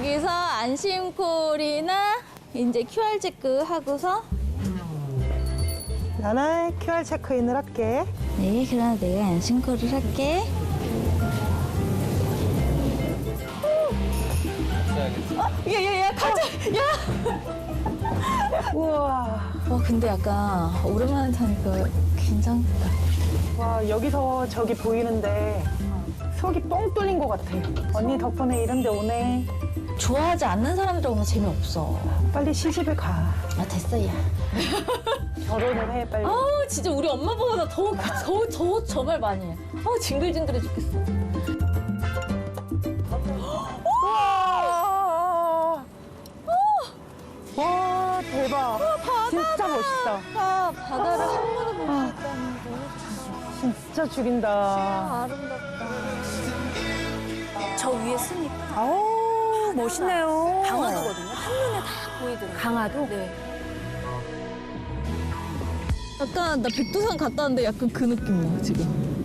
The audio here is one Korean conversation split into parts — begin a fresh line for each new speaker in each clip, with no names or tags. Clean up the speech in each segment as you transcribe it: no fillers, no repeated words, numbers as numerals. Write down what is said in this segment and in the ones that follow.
여기서 안심콜이나 이제 QR 체크 하고서.
나는 QR 체크인을 할게.
네, 그럼 내가 안심콜을 할게. 야, 가자! 야!
우와.
와, 근데 약간 오랜만에 타니까 긴장된다.
와, 여기서 저기 보이는데 속이 뻥 뚫린 것 같아. 언니 덕분에 이런 데 오네.
좋아하지 않는 사람들 오면 재미없어.
빨리 시집을 가.
아, 됐어, 야.
결혼을 해, 빨리.
아우, 진짜 우리 엄마보다 더 저 말 많이 해. 아우, 징글징글해 죽겠어.
와, 와, 대박. 진짜 멋있다.
아, 바다를 한 번에 볼 수 있다는 거.
진짜 죽인다.
아름답다. 저 위에 쓰니까
아우, 멋있네요.
강화도거든요. 한눈에 다 보이더라고요.
강화도?
네. 약간 나 백두산 갔다 왔는데 약간 그 느낌 나 지금.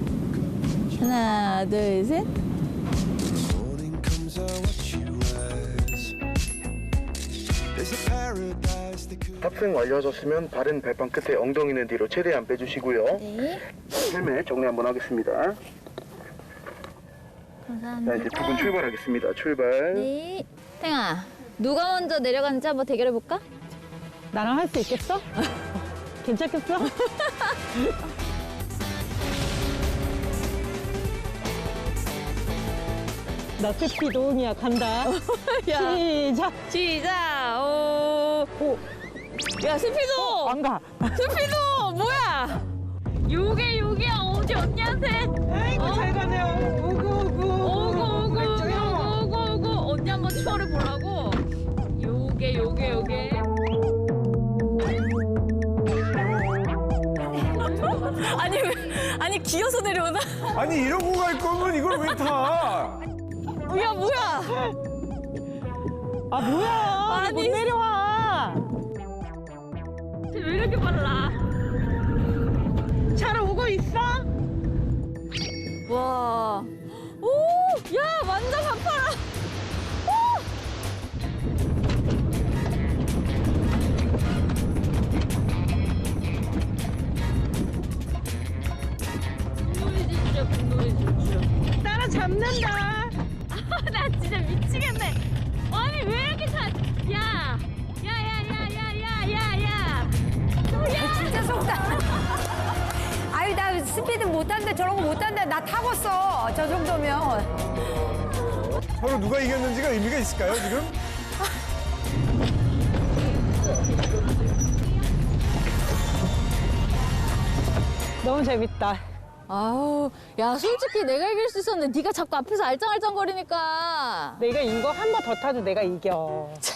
하나, 둘, 셋.
Morning comes, I watch you rise. There's a paradise that could.
탑승 완료하셨으면 바른 발판 끝에 엉덩이는 뒤로 최대한 빼주시고요.
네.
헬멧 정리 한번 하겠습니다.
감사합니다.
자, 이제 두 분 출발하겠습니다. 출발.
네. 탱아, 누가 먼저 내려가는지 한번 대결해 볼까?
나랑 할 수 있겠어? 괜찮겠어? 나 스피드온이야. 간다. 시작.
시작. 오.
오,
야, 스피드.
안 가.
스피드 뭐야? 요게 어디 언니한테?
아이고, 잘 가네요.
오고 언니 한번 추월해 보라고. 요게 아니 기어서 내려오나?
아니 이러고 갈 거면 이걸 왜 타?
야, 뭐야?
아, 뭐야.
아니.
못 내려와.
쟤 왜 이렇게 빨라?
잘 오고 있어?
와. 오! 야, 완전 가파라. 분노리지 진짜 분노리지 진짜.
따라 잡는다.
나 진짜 미치겠네. 아니 왜 이렇게 차? 야.
진짜 속다. 아유, 나 스피드 못한다, 저런 거 못한다. 나 타봤어, 저 정도면.
서로 누가 이겼는지가 의미가 있을까요 지금?
너무 재밌다.
아우, 야 솔직히 내가 이길 수 있었는데 네가 자꾸 앞에서 알짱알짱거리니까.
내가 이거 한 번 더 타도 내가 이겨.